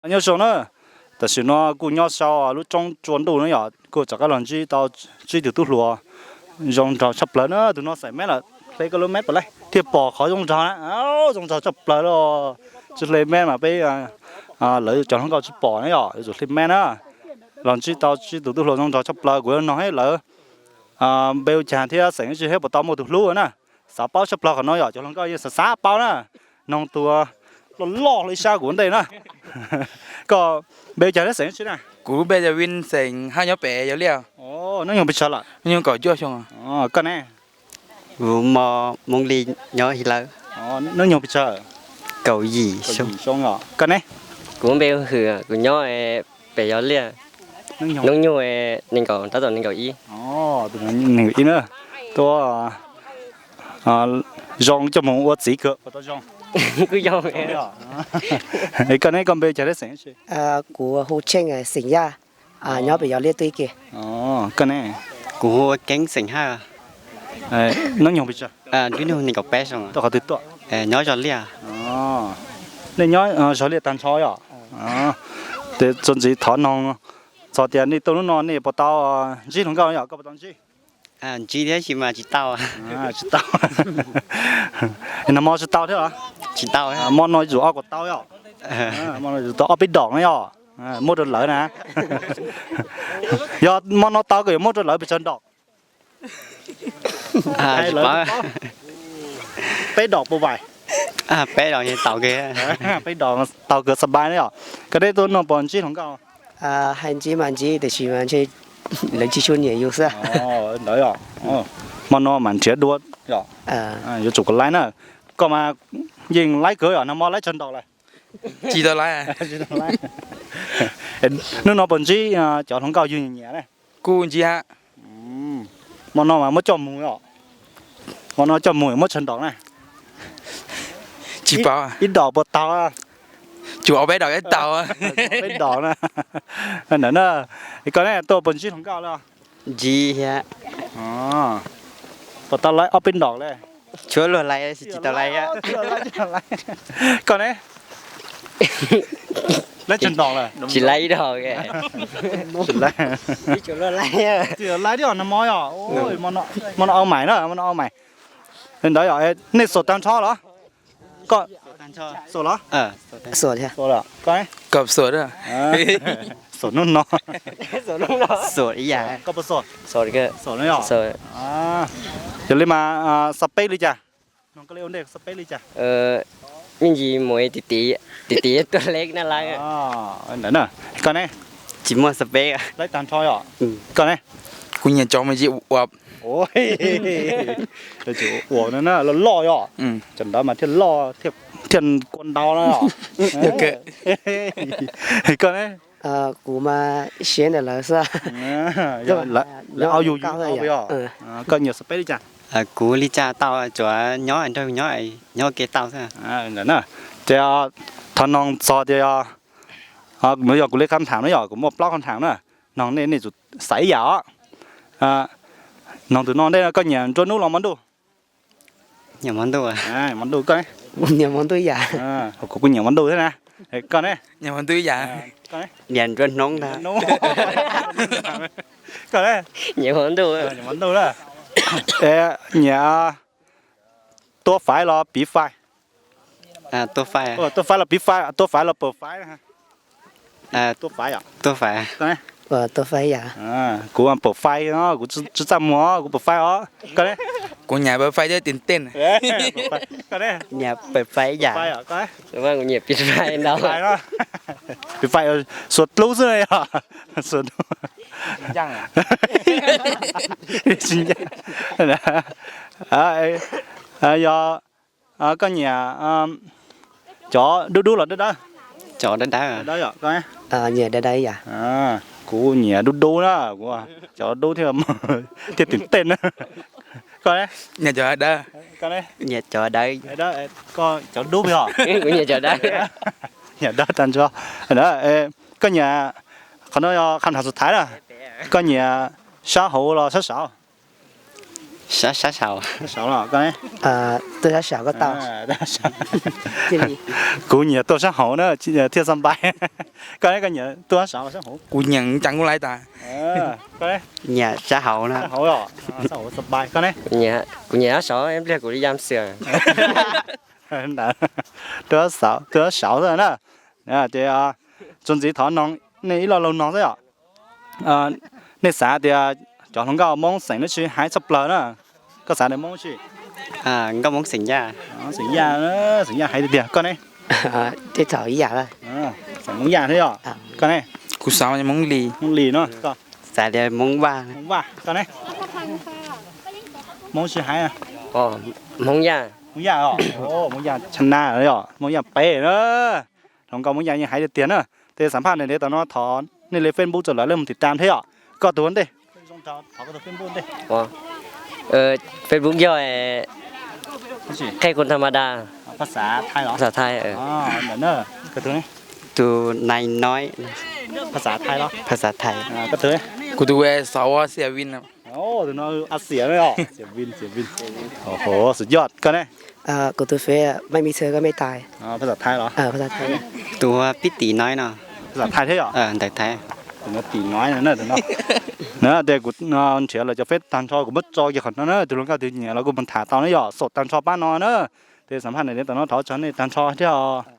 nhớ số nữaแต่สิnóกูnhớ sao lúc trong chuẩn đồ nó nhỏกูchắc cái lần chỉ tao chỉ được tu lùa dùng trò chập lớn nữa tụi nó sẽ mấy là lấy km vào đây thiệp bỏ khỏi dùng trò á dùng trò chập lớn rồi chỉ lấy mét mà bây lấy chọn không có chập bỏ nữa nhỏ rồi lấy mét á lần chỉ tao chỉ được tu lùa dùng trò chập lớn của nó hết lỡ bây giờ thì sẽ chỉ hết một tao một tu lùa nữa sáu bao chập lớn của nó nhỏ cho nó có như sáu bao nữa nông tua nó lo lấy sao của đây nữa có bây giờ nó sẽ chứ nè cú bây giờ win thành hai nhóm bé giờ liao ồ nó nhiều bị sao lại nhưng có chưa xong à cái này vụ mò mông ly nhỏ thì lớn nó nhiều bị sao cầu gì xong rồi cái này cũng béo hừ cũng nhỏ bé nhỏ liền nó nhiều nên cầu ta toàn nên cầu y ồ tụi nó nhiều ý nữa tôi rong cho mong uất gì cơ tôi rong cứ giống cái này còn bây giờ nó sẽ chứ của hồ chênh sinh ra nhỏ bé nhỏ liên tuy kì ồ cái này của cánh sinh ha nó nhiều bị sao đứa nó nên cầu bé xong tôi có tự tội nhỏ cho liền nên nhớ số liệu tan choi à để chuẩn bị thọ nong sau tiền đi tôi nó này bắt đầu chỉ không cao nhở có bắt đầu chỉ chỉ thế chỉ mà chỉ tao chỉ tao nó mua chỉ tao thế hả chỉ tao mua nói rủa của tao nhở mua nói rủa tao biết đòn đấy nhở mua được lợi nè giờ mua nó tao cái mua được lợi bị chân đòn hay lợi biết đòn bao vài bé đòn như tao kia biết đòn tao cứ sắp bài đấy nhở cái đấy tôi nó bọn chỉ không cao hành chỉ mà chỉ để chỉ mà chỉ lấy chỉ chuyên nghiệp yêu sao đấy à mà nó màn chết đua rồi giờ chụp cái lái nữa còn mà nhìn lái cửa nó mò lái chân đầu này chỉ tao lái nó bận chí chở thằng cao dương nhẹ này cú chỉ ha mà nó mà mất cho mùi rồi mà nó cho mùi mất chân đầu này chỉ bảo ít đỏ bột tàu chủ ở bé đỏ cái tàu ít đỏ nè nữa nè cái này tôi bận chí thằng cao rồi gì ha bột tàu lái ở bên đỏ này chúa luôn lại chỉ tao lại á còn đấy lấy chân đỏ này chỉ lấy đồ kìa chỉ lấy chúa luôn lại á chỉ lấy đi nó mói à ôi mà nó ao mày nữa mà nó ao mày nên đấy rồi nên sổ tan cho đó có sổ đó sổ thế sổ đó có đấy cọp sửa đó sổ nó sổ ý à có bao sổ sổ cái sổ nó nhỏ sổ giờ lên mà sắp đi chả nó có lên đây sắp đi chả những gì mỗi tíตัวเล็กน่ารัก nữa nè con này chỉ mua sập bé lấy tan cho nhỏ con này cú nhà cho mày chị uập ôi cái chủ của nó nè nó lo nhỏ chẳng đó mà thiên lo thiên con đau nó ok con này của mà xuyên là sao lại ao dù ao bây giờ con nhiều space đi chả cú li cha tao chỗ nhỏ anh thôi nhỏ cái tao thôi nữa nè thì thằng nong so thì mới giờ cú lấy cam thảm nó giờ cũng một block cam thảm nữa nong nên này chút sấy giỏ nong từ non đây có nhà cho nút lòng món đồ nhà món đồ món đồ coi nhà món tôi già có nhiều món đồ thế nè con đấy nhà mình tươi già con đấy nhà trên nón đó con đấy nhà món đồ đó nhà tôi phải là bị phải tôi phải là bị phải tôi phải là bờ phải tôi phải tôi phải con đấy tôi phải già của anh bờ phải nó của chú trăm mỏ của bờ phải đó con đấy của nhà bờ phải chơi tiền con đấy nhà bờ phải già phải con đấy đúng không nhà bị phải đâu phải đó bị phải sụt lú dưới này à sụt chăng à xin do có nhà chó đu là đó chó đến đá đó rồi coi nhà đây đây của nhà đu đó của chó đu thì thì tiền tên đó coi đấy nhà chó đó coi đấy nhà chó đây đó coi chó đu bây giờ của nhà chó đây nhà đó tan cho đó có nhà còn nó khăn thằngสุดท้ายlà có nhà xã hội là sát sảo Sát sát sầu. sáu là con ấy tôi đã xảo có tàu cái gì cú nhớ tôi sáng hậu nữa chỉ nhớ thiên sân bay con ấy con nhớ tôi sáng hậu sáng hậu cú nhận chẳng có lại ta con ấy Nhà sát hậu nè. sáng hậu rồi sáng hậu sân bay con ấy Của nhà sổ em biết của đi giam sườn. đã tôi sáu rồi nè nè thì chuẩn bị thọ nong này là lâu nong rồi ạ này xã thì chọn không có mong sành nó chỉ hai sắp lỡ nữa có xã để mong chỉ Có muốn xỉn ra. sành già nữa sành già hay tiền con ấy thế thở ý giả rồi sành mong già thế ạ con ấy cú sao mà mong lì mong lì nữa con Xả đi muốn ba. mong ba con ấy mong chỉ hai à Muốn ra. mong già ạ mong già chân na rồi ạ mong già bé nữa không có mong già như hai tiền nữa thế sản phẩm này để tao nó thọ nên lấy Facebook trở lại lên một thịt tam thế ạ có tuấn đi thọ có Facebook đi Facebook do สิแค่คนธรรมดาภาษาไทยเหรอภาษาไทยอ๋อเดี๋ยวเนอะกระเทยตัวนายน้อยภาษาไทยเหรอภาษาไทยกระเทย cú tu về sáu xe win à โอ้ตัวน้อยอาเสียเลยเหรอเสียบินโอ้โหสุดยอดก็ได้ của tôi phêไม่มีเธอก็ไม่ตายอ๋อภาษาไทยเหรอภาษาไทยตัวพี่ตีน้อยเนาะภาษาไทยใช่เหรอแต่ไทยตัวน้อยตีน้อยนะเนอะตัวน้อยเนอะเด็กกูนอนเฉยเลยจะเฟซตันชอกูไม่จอยกี่คนเนอะตัวน้อยก็ตัวเนี่ยเรากูมันถ่ายตอนนี้หยอดสดตันชอบ้านนอนเนอะเดี๋ยวสัมภาษณ์ในนี้ตอนน้อยถอดฉันในตันชอที่อ๋อ